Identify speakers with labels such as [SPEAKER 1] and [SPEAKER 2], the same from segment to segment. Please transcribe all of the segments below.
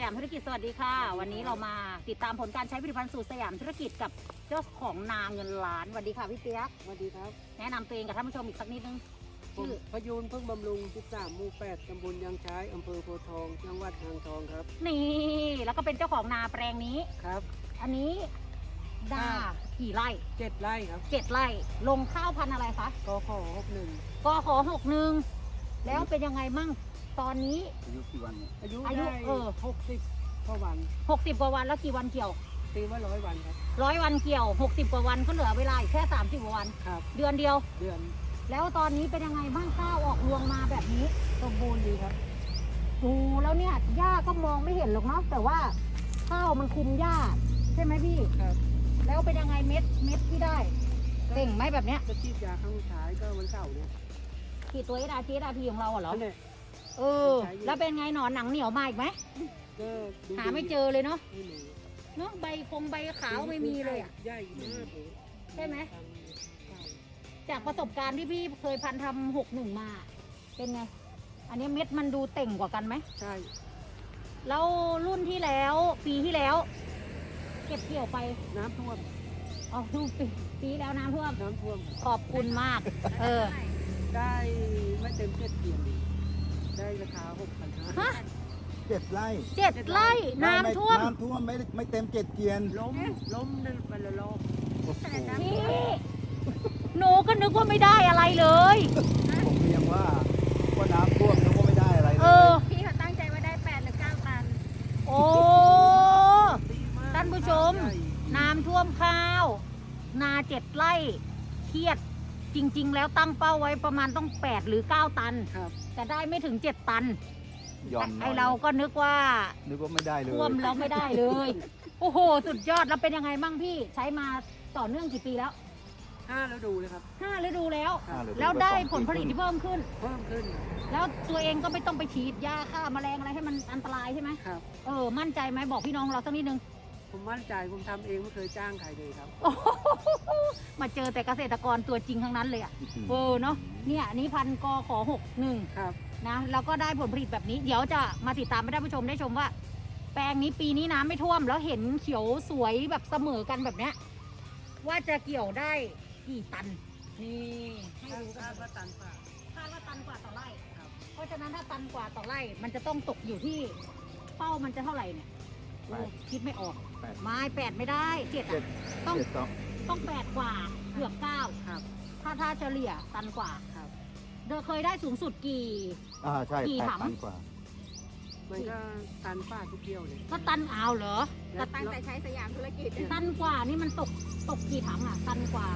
[SPEAKER 1] ยามธุรกิจสวัสดีค่ะวันนี้เรามาติดตามผลการใช้ผลิตภัณฑ์สูตรสยามธุรกิจกับเจ้าของนาเงินล้านสวัสดีค่ะพี่เปียก
[SPEAKER 2] สวัสดีครับ
[SPEAKER 1] แนะนำตัวเองกับท่านผู้ชมอีกสักนิดนึง
[SPEAKER 2] ผม
[SPEAKER 1] ชื่อ
[SPEAKER 2] พยูนพึ่งบำรุง13หมู่8ตำบลยางช้ายอำเภอโพธิ์ทองจังหวัดอ่างทองครับ
[SPEAKER 1] นี่แล้วก็เป็นเจ้าของนาแปลงนี้
[SPEAKER 2] ครับ
[SPEAKER 1] อันนี้นากี่ไร่
[SPEAKER 2] 7 ไร่ครับ
[SPEAKER 1] 7 ไร่ลงข้าวพันธุ์อะไรคะ
[SPEAKER 2] กข61
[SPEAKER 1] กข61แล้วเป็นยังไงมั่งตอนนี้
[SPEAKER 3] อายุกี่วันเนี่ย
[SPEAKER 2] อายุ
[SPEAKER 1] อายุ
[SPEAKER 2] ได้60กว่าวัน
[SPEAKER 1] 60 กว่าวันแล้วกี่วันเกี่ยว
[SPEAKER 2] ตีว่า100 วันครับ
[SPEAKER 1] 100 วันเกี่ยว 60 กว่าวันก็เหลือเวลาอีกแค่30 กว่าวัน
[SPEAKER 2] ครับ
[SPEAKER 1] เดือนเดียว
[SPEAKER 2] เดือน
[SPEAKER 1] แล้วตอนนี้เป็นยังไงบ้างข้าวออกรวงมาแบบนี้
[SPEAKER 2] สมบูรณ์ดีครับ
[SPEAKER 1] โอ้แล้วเนี่ยหญ้าก็มองไม่เห็นหรอกเนาะแต่ว่าข้าวมันคุมหญ้าใช่ไหมพี่
[SPEAKER 2] ครับ
[SPEAKER 1] แล้วเป็นยังไงเม็ดที่ได้เต่งไหมแบบเนี้ย
[SPEAKER 2] จะฉีดยาครั้งสุดท้ายก็วันเสาร์เนี่ย
[SPEAKER 1] ขีดตัวSRTของเราเหรอ
[SPEAKER 2] นั่นแหละ
[SPEAKER 1] เออแล้วเป็นไงหนอนหนังเหนียวมาอีกไหม
[SPEAKER 2] ก็ดู
[SPEAKER 1] หาไม่เจอเลยเนาะ
[SPEAKER 2] ไม่มี
[SPEAKER 1] เนาะใบขาวไม่มีเลยอะ
[SPEAKER 2] ใหญ่มากเลย
[SPEAKER 1] ใช่ไหม จากประสบการณ์ที่พี่เคยพันทำ61มาเป็นไง อันนี้เม็ดมันดูเต่งกว่ากันไหม
[SPEAKER 2] ใช่
[SPEAKER 1] แล้วรุ่นที่แล้วปีที่แล้ว เก็บเกี่ยวไป
[SPEAKER 2] น้ำท่วม
[SPEAKER 1] อ๋อทุกปีแล้วน้ำท่วม
[SPEAKER 2] น้ำท่วม
[SPEAKER 1] ขอบคุณมาก เออ
[SPEAKER 2] ได้ไม่เต็ม7 เกียร์ได้ราคา 6,500
[SPEAKER 1] ฮะ
[SPEAKER 3] 7 ไร่
[SPEAKER 1] 7 ไร่น้ำท่วม
[SPEAKER 3] น้ำท่วมไม่เต็ม7 เกียน
[SPEAKER 2] ล้มนั่นไปละรอบ
[SPEAKER 3] โอ้โห
[SPEAKER 1] พี่หนูก็นึกว่าไม่ได้อะไรเลย
[SPEAKER 3] ผมเรียกว่าน้ำท่วมแล้วก็ไม่ได้อะไรเล
[SPEAKER 1] เอย อ
[SPEAKER 4] พี่เขาตั้งใจว่าได้8หรือ9ตัน
[SPEAKER 1] โอ้ ท่านผู้ชม น้ำท่วมข้าว นา7 ไร่เครียด จริง ๆ แล้วตั้งเป้าไว้ประมาณต้อง8หรือ9ตัน
[SPEAKER 2] ครับ
[SPEAKER 1] แต่ได้ไม่ถึง7 ตัน
[SPEAKER 3] ย่อนหน่
[SPEAKER 1] ไอ
[SPEAKER 3] อย
[SPEAKER 1] เราก็นึกว่า
[SPEAKER 3] นึกว่าไม่ได้เลย
[SPEAKER 1] ท่วมแล้วไม่ได้เลย โอ้โห สุดยอดแล้วเป็นยังไงบ้างพี่ใช้มาต่อเนื่องกี่ปีแล้ว
[SPEAKER 2] 5 แล้วดูเลยครับ
[SPEAKER 1] 5 ฤดูแล้ว
[SPEAKER 3] อ่าเหอ
[SPEAKER 1] แล้วได้
[SPEAKER 3] 2
[SPEAKER 1] ผลผลิตที่เพิ่มขึ้น
[SPEAKER 2] เพิ่มขึ้น
[SPEAKER 1] แล้วตัวเองก็ไม่ต้องไปฉีดยาฆ่าแมลงอะไรให้มันอันตรายใช่ไหม
[SPEAKER 2] ครับ
[SPEAKER 1] เออ มั่นใจไหมบอกพี่น้องเราสักนิดนึง
[SPEAKER 2] ผมมั่นใจผมทำเองไม่เคยจ้างใครเลยครับ
[SPEAKER 1] โอ้โหมาเจอแต่เกษตรกรตัวจริงทั้งนั้นเลยอ่ะเออเนาะเนี่ยอันนี้พันกข61
[SPEAKER 2] ครับ
[SPEAKER 1] นะแล้วก็ได้ผลผลิตแบบนี้ เดี๋ยวจะมาติดตามให้ท่านผู้ชมได้ชมว่า แปลงนี้ปีนี้น้ำไม่ท่วม แล้วเห็นเขียวสวยแบบเสมอกันแบบเนี้ยว่าจะเกี่ยวได้กี่ตันนี่ให้ดูกั
[SPEAKER 2] คาน ดว่าตันฝ่า
[SPEAKER 1] คาดว่าตันกว่าต่อไร่
[SPEAKER 2] ครับ
[SPEAKER 1] เพราะฉะนั้นถ้าตันกว่าต่อไร่ มันจะต้องตกอยู่ที่เป้ามันจะเท่าไหร่เนี่ยโอ้คิดไม่ออก
[SPEAKER 3] 8
[SPEAKER 1] ไม้8ไม่ได้7อ่ะ
[SPEAKER 3] 7
[SPEAKER 1] ต้อง
[SPEAKER 3] 7
[SPEAKER 1] ต้อง8กว่าเกือบ9
[SPEAKER 2] ครับ
[SPEAKER 1] ถ้าเฉลี่ยตันกว่า
[SPEAKER 2] ครับ
[SPEAKER 1] เดเคยได้สูงสุดกี่
[SPEAKER 3] ใช่
[SPEAKER 1] กี่
[SPEAKER 3] 8
[SPEAKER 1] ถัง
[SPEAKER 3] ตันกว่า
[SPEAKER 2] มันก็ตันฝ่าทุกเที่ยวเลย
[SPEAKER 1] ก็ตันเอาเหรอ
[SPEAKER 2] แล้ว
[SPEAKER 4] ตั้งแต่ใช้สยามธุรกิจ
[SPEAKER 1] ตันกว่านี่มันตกกี่ถังอ่ะ ตันกว่า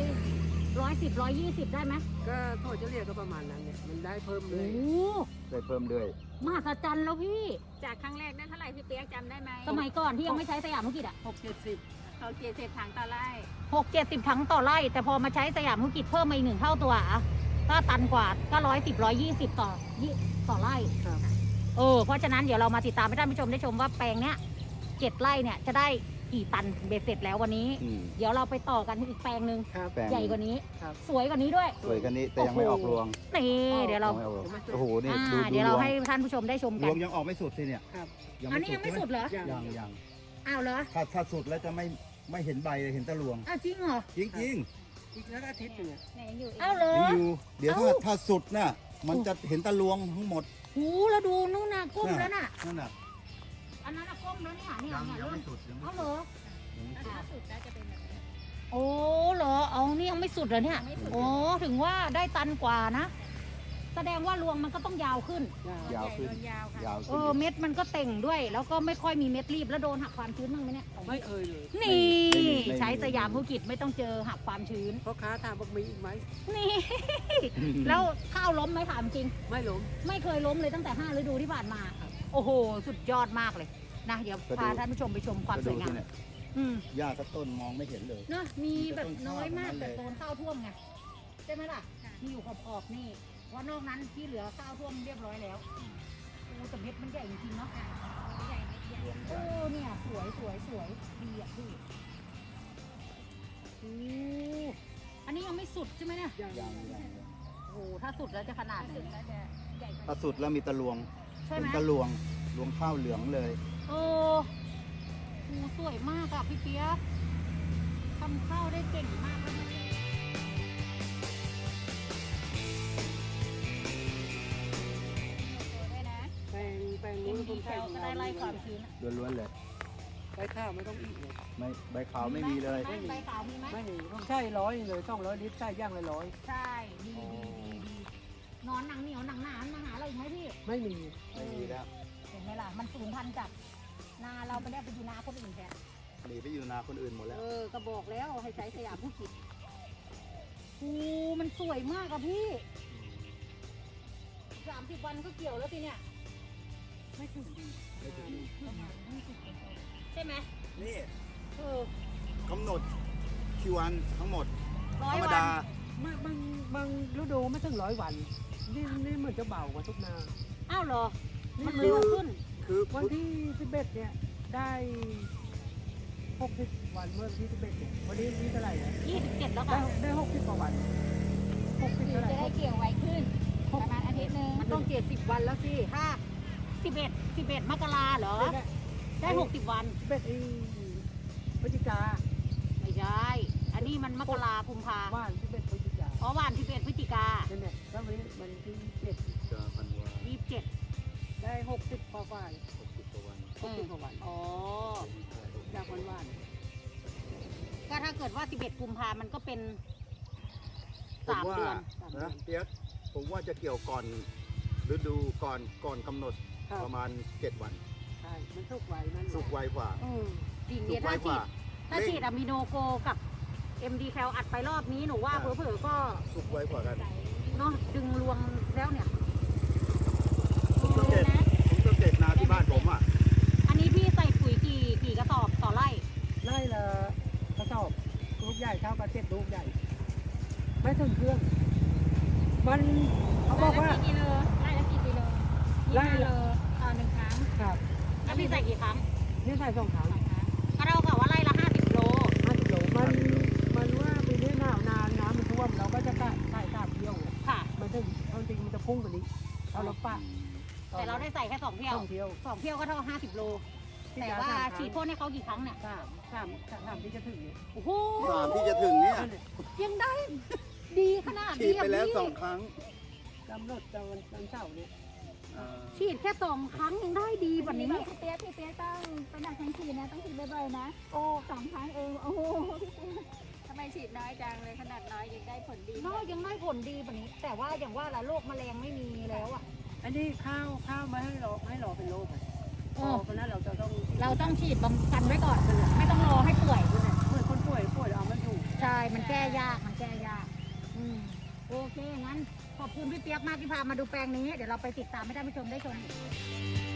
[SPEAKER 1] 110 120ได้ไหม
[SPEAKER 2] ก็โทษจะเรียกก็ประมาณนั้นเนี่ยมันได้เพิ่มเล
[SPEAKER 1] โอ้
[SPEAKER 2] ย
[SPEAKER 1] โห
[SPEAKER 3] ได้เพิ่มด้วย
[SPEAKER 1] มหัศจรรย์แล้วพี่
[SPEAKER 4] จากครั้งแรกได้เท่าไหร่พี่เปียกจำได้ไหม
[SPEAKER 1] สมัยก่อนที่ยังไม่ใช้สยามธุรกิจอ่ะ
[SPEAKER 2] 6-70
[SPEAKER 4] เขา70ถังต่อไร่
[SPEAKER 1] 60-70ถังต่อไร่ แต่พอมาใช้สยามธุรกิจเพิ่มมาอีก1 เท่าตัวอ่ะก็ตันกว่าก็110 120ต่อไร่
[SPEAKER 2] ครับ
[SPEAKER 1] เพราะฉะนั้นเดี๋ยวเรามาติดตามให้ท่านผู้ชมได้ชมว่าแปลงเนี้ย7 ไร่เนี่ยจะได้กี่ตันเบ็ดเสร็จแล้ววันนี้ เดี๋ยวเราไปต่อกันที่อีกแปลงหนึ่ง
[SPEAKER 2] ครับ
[SPEAKER 3] แปลง
[SPEAKER 1] ใหญ่กว่านี้
[SPEAKER 2] ครับ
[SPEAKER 1] สวยกว่านี้ด้วย
[SPEAKER 3] สวยกันนี้แต่ยังไม่ออกรวง
[SPEAKER 1] นี่เดี๋ยวเรา
[SPEAKER 3] ยังไม่ออกรวงโอ้โหนี่
[SPEAKER 1] เดี๋ยวเราให้ท่านผู้ชมได้ชม
[SPEAKER 3] ร
[SPEAKER 1] กั
[SPEAKER 3] วน งยังออกไม่สุดสิเนี่ย
[SPEAKER 2] ครับ
[SPEAKER 1] อันนี้ยังไม่สุดเหรอ
[SPEAKER 3] ยัง
[SPEAKER 1] อ้าวเหรอ
[SPEAKER 3] ถ้าสุดแล้วจะไม่เห็นใบเลยเห็นแต่รวง
[SPEAKER 1] อ้าวจริงเหรอ
[SPEAKER 3] จริง
[SPEAKER 2] อีกแล้วอาทิตย์หนึงอะ
[SPEAKER 4] ไหนยังอยู่อีก
[SPEAKER 1] อ้าวเหรอ
[SPEAKER 3] ๆยังอยู่เดี๋ยว
[SPEAKER 1] เอ้า
[SPEAKER 3] ถ้าสุดน่ะมันจะเห็นแต่รวงทั้งหมด
[SPEAKER 1] หูแล้วดูนู่นน่ะก้มแล้วน่ะ
[SPEAKER 3] นั่นน่ะ
[SPEAKER 1] อันนั้นน่ะก้มแล้วเนี่ยเนี่ย
[SPEAKER 3] ยัง
[SPEAKER 1] เนี่ย
[SPEAKER 3] ยัง
[SPEAKER 1] เริ่ม
[SPEAKER 3] ไม่สุดยังไม่
[SPEAKER 1] เอาเหร
[SPEAKER 3] สุ
[SPEAKER 1] อ
[SPEAKER 3] ดยังไม่สุด
[SPEAKER 4] ถ้าสุดแล้วจะเป็นแบบนี้
[SPEAKER 1] โอ้เหรอเอานี่ยังไม่สุดเหรอเนี่ย
[SPEAKER 4] ยังไม่สุด
[SPEAKER 1] โอ้ถึงว่าได้ตันกว่านะ แสดงว่ารวงมันก็ต้องยาวขึ้น
[SPEAKER 3] ยาวขึ้น
[SPEAKER 4] ใหญ่โดนยาวค่ะ
[SPEAKER 3] ยาวขึ้น
[SPEAKER 1] เม็ดมันก็เต่งด้วย แล้วก็ไม่ค่อยมีเม็ดรีบแล้วโดนหักความชื้นบ้างไหมเนี่ย
[SPEAKER 2] ไม่เคยเลย
[SPEAKER 1] นี่
[SPEAKER 3] ไม่
[SPEAKER 1] ใช้สยามธุรกิจไม่ต้องเจอหักความชื้น
[SPEAKER 2] พ่อค้าถามบอกมีอีกไหม
[SPEAKER 1] นี่ แล้วข้าวล้มไหมถามจริง
[SPEAKER 2] ไม่ล้ม
[SPEAKER 1] ไม่เคยล้มเลยตั้งแต่5 ฤดูที่ผ่านมา โอ้โห สุดยอดมากเลยนะเดี๋ยวพาท่านผู้ชมไปชมความสวยงาม
[SPEAKER 3] เนี่ย
[SPEAKER 1] อืม
[SPEAKER 3] หญ้าสักต้นมองไม่เห็นเลย
[SPEAKER 1] เนอะมีแบบน้อยมาก
[SPEAKER 3] มีแต่
[SPEAKER 1] แต่
[SPEAKER 3] ต้
[SPEAKER 1] โซ
[SPEAKER 3] น
[SPEAKER 1] น
[SPEAKER 3] ข้าว
[SPEAKER 1] ข้าวท่วมไงใช่ไหมล่ะ
[SPEAKER 4] ค่ะ
[SPEAKER 1] มีอยู่ขอบๆนี่ว่านอกนั้นที่เหลือข้าวท่วมเรียบร้อยแล้วโอ้แต่เม็ดมันใหญ่จริงๆเนาะ
[SPEAKER 4] ใหญ่ไม่ใหญ่
[SPEAKER 1] โอ้เนี่ยสวยดีอ่ะพี่โอ้อันนี้ยังไม่สุดใช่ไหมเนี่ย
[SPEAKER 2] ยัง
[SPEAKER 3] ยัง
[SPEAKER 1] โอ้ถ้าสุดแล้วจะขนาดไหน
[SPEAKER 4] สุดแล้วจะใหญ่กว่า
[SPEAKER 3] ถ้าสุดแล้วมีตะลวง
[SPEAKER 1] ใช่ไหม
[SPEAKER 3] เป็นตะลวงรวงข้าวเหลืองเลย
[SPEAKER 1] โโอ้โหสวยมากอะพี่เปียกทำข้าวได้เก่งมากเลยนะด้วยนะ
[SPEAKER 2] แปลง
[SPEAKER 1] กิ
[SPEAKER 2] นู้
[SPEAKER 1] น
[SPEAKER 2] น
[SPEAKER 1] ดี
[SPEAKER 2] คน
[SPEAKER 1] แค
[SPEAKER 2] ไทย
[SPEAKER 1] ลก็ได้ไล่ความชื้นอะ
[SPEAKER 3] ล้วนๆเลย
[SPEAKER 2] ใบข้าวไม่ต้องอีกเลย
[SPEAKER 3] ไม่ใบขาวไม่มีเลย
[SPEAKER 1] ใบขาวมีไหม
[SPEAKER 2] ไม่ต้องใช่100เลย200 ลิตรใช่ย่างละ100
[SPEAKER 1] ใช่ดีนอนหนังเหนียวหนังหนามาหาเราอีกไหมพี่
[SPEAKER 2] ไม่มี
[SPEAKER 3] ไม่มีแล้ว
[SPEAKER 1] เห็นไหมล่ะมันสูญพันธุ์จากนาเราไปได้ไปอยู่นาคนอื่นแทน
[SPEAKER 3] หนีไปอยู่นาคนอื่นหมดแล้ว
[SPEAKER 1] ก็บอกแล้วให้ใช้สยามผู้คิดโอ้มันสวยมากอะพี่30 วันก็เกี่ยวแล้วสิเนี่ย
[SPEAKER 2] ไม่ถึง
[SPEAKER 3] ไม่ถึง
[SPEAKER 1] ประมาณ20ใช่ไหม
[SPEAKER 3] นี่
[SPEAKER 1] เออก
[SPEAKER 3] ำหนดคิววันทั้งหมด
[SPEAKER 1] ร้อ
[SPEAKER 3] ธร
[SPEAKER 1] ย
[SPEAKER 3] รม
[SPEAKER 1] วั
[SPEAKER 3] ดา
[SPEAKER 1] น
[SPEAKER 2] บางฤดูไม่ถึง100 วันนี่เหมือนจะเบากว่าทุกนา
[SPEAKER 1] อ้าวเหรอ มัน
[SPEAKER 3] คื
[SPEAKER 1] เร็
[SPEAKER 3] อ
[SPEAKER 1] วขึ้น
[SPEAKER 3] คือ
[SPEAKER 2] วันที่11เนี่ยได้60 วันเมื่อวันที่11เนี่ยวันนี้นี่เท่าไหร่เนี่ย
[SPEAKER 1] 27แล้ว
[SPEAKER 2] ได้
[SPEAKER 1] ค่ะ
[SPEAKER 2] ได้60กว่าวัน60
[SPEAKER 4] คือ
[SPEAKER 2] เท่าไหร่
[SPEAKER 4] จะได้เกี่ยวไวขึ้นประมาณอาทิตย์หนึง
[SPEAKER 1] มันต้อง70 วันแล้วสิถ้า11มกราเหรอ ได้60 วัน
[SPEAKER 2] พฤศจิกา
[SPEAKER 1] ไม่ใช่ อันนี้มันมกรากุมภา
[SPEAKER 2] ว่าน11พฤศจิกา
[SPEAKER 1] อ๋อวัน11พฤศจิกา
[SPEAKER 2] นั่นแหละแล้ววันนี้มันที่7
[SPEAKER 3] จะพันวา
[SPEAKER 1] 27
[SPEAKER 2] ได้60กว่าวัน
[SPEAKER 3] 60กว่าวัน
[SPEAKER 2] 60กว่าวัน
[SPEAKER 1] อ๋อ
[SPEAKER 2] จากวันว่าน
[SPEAKER 1] ก็ถ้าเกิดว่า11กุมภามันก็เป็น
[SPEAKER 3] ผม
[SPEAKER 1] 3
[SPEAKER 3] ว่า
[SPEAKER 1] เดือน
[SPEAKER 3] นะเปียกผมว่าจะเกี่ยวก่อนฤดูก่อนกำหนด
[SPEAKER 2] ครับ
[SPEAKER 3] ประมาณ7 วัน
[SPEAKER 2] ใช่มันสุกไวมัน
[SPEAKER 3] สุกไวกว่า
[SPEAKER 1] จริง
[SPEAKER 3] สุ
[SPEAKER 1] เนี่ย
[SPEAKER 3] กไว
[SPEAKER 1] ถ้าก ฉี
[SPEAKER 3] ว่า
[SPEAKER 1] ดอะมิโนโกกับ MD แคลอัดไปรอบนี้หนูว่า
[SPEAKER 3] อ่า
[SPEAKER 1] เผลอๆก็
[SPEAKER 3] สุกไวกว่ากัน
[SPEAKER 1] เนาะดึงรวงแล้วเนี่ย
[SPEAKER 3] ผมสังเกตนาที่บ้านผมอ่ะ
[SPEAKER 1] อันนี้พี่ใส่ปุ๋ยกี่กระสอบต่อไร่
[SPEAKER 2] ไล่ละกระสอบลูกใหญ่เท่ากับ7ลูกใหญ่ ไม่ถึงเครื่อง มันเขาบอกว่า
[SPEAKER 4] ไล่ละกี่กิโลไล่ละกี่กิโล
[SPEAKER 2] ไล่
[SPEAKER 4] 25
[SPEAKER 2] ละ
[SPEAKER 4] โลต่อ1ครั้ง
[SPEAKER 2] ครับ
[SPEAKER 1] แล้วพี่ใส่กี่ครั้ง
[SPEAKER 2] นี่ใส่2ครั้ง
[SPEAKER 4] 2ครั้ง
[SPEAKER 1] ก็เท่ากับว่าไร่ละ50 โล
[SPEAKER 2] 50 โลมันว่าปีนี้หนาวนานน้ำมันท่วมเราก็จะใส่3เที่ยว
[SPEAKER 1] ค่ะ
[SPEAKER 2] มันถึงเอาจริงมันจะพุ่งกว่านี้เอาเราปะ
[SPEAKER 1] แต่เราได้ใส่แค่2 เที่ยว
[SPEAKER 2] 2เที่ยว
[SPEAKER 1] 2 เที่ยวก็เท่า50 โล แต่ว่าฉีดพ่นให้เขากี่ครั้งเนี่ย
[SPEAKER 2] สามที่จะถึงเนี่ย
[SPEAKER 1] โอ้โห
[SPEAKER 3] 3 ที่จะถึงเนี่ย
[SPEAKER 2] นั่นแหละ
[SPEAKER 1] ยังได้ดีขนาด
[SPEAKER 3] ฉี
[SPEAKER 1] นี้
[SPEAKER 3] ด
[SPEAKER 1] อะ
[SPEAKER 3] ไปแล้ว
[SPEAKER 1] พี่
[SPEAKER 3] 2 ครั้ง
[SPEAKER 2] กำหนดจะวันเสาร์เนี่ย
[SPEAKER 3] อ่า
[SPEAKER 1] ฉีดแค่2 ครั้งยังได้ดีกว่านี้
[SPEAKER 4] พี่เปี๊ยกต้องไปหนักทั้งทีนะต้องฉีดบ่อยๆนะ โอ้2 ครั้งเองโอ้โหพี่เปี๊ยกทำไมฉีดน้อยจังเลยขนาดน้อยยังได้ผลดี
[SPEAKER 1] น้อยยังได้ผลดีกว่านี้ แต่ว่าอย่างว่าละโรคแมลงไม่มีแล้วอ่ะ
[SPEAKER 2] อันนี้ข้าวมาให้รอเป็นโรคอะพอเพราะนั้นเราจะต้อง
[SPEAKER 1] เราต้องฉีดบำกันไว้ก่อน ไม่ต้องรอให้ป่วย
[SPEAKER 2] เหมือนคนป่วยเอาไม่ถูก
[SPEAKER 1] ใช่ มันแก้ยาก มันแก้ยาก โอเค งั้น ขอบคุณพี่เปียกมากที่พามาดูแปลงนี้ เดี๋ยวเราไปติดตามให้ท่านผู้ชมได้ชมอีก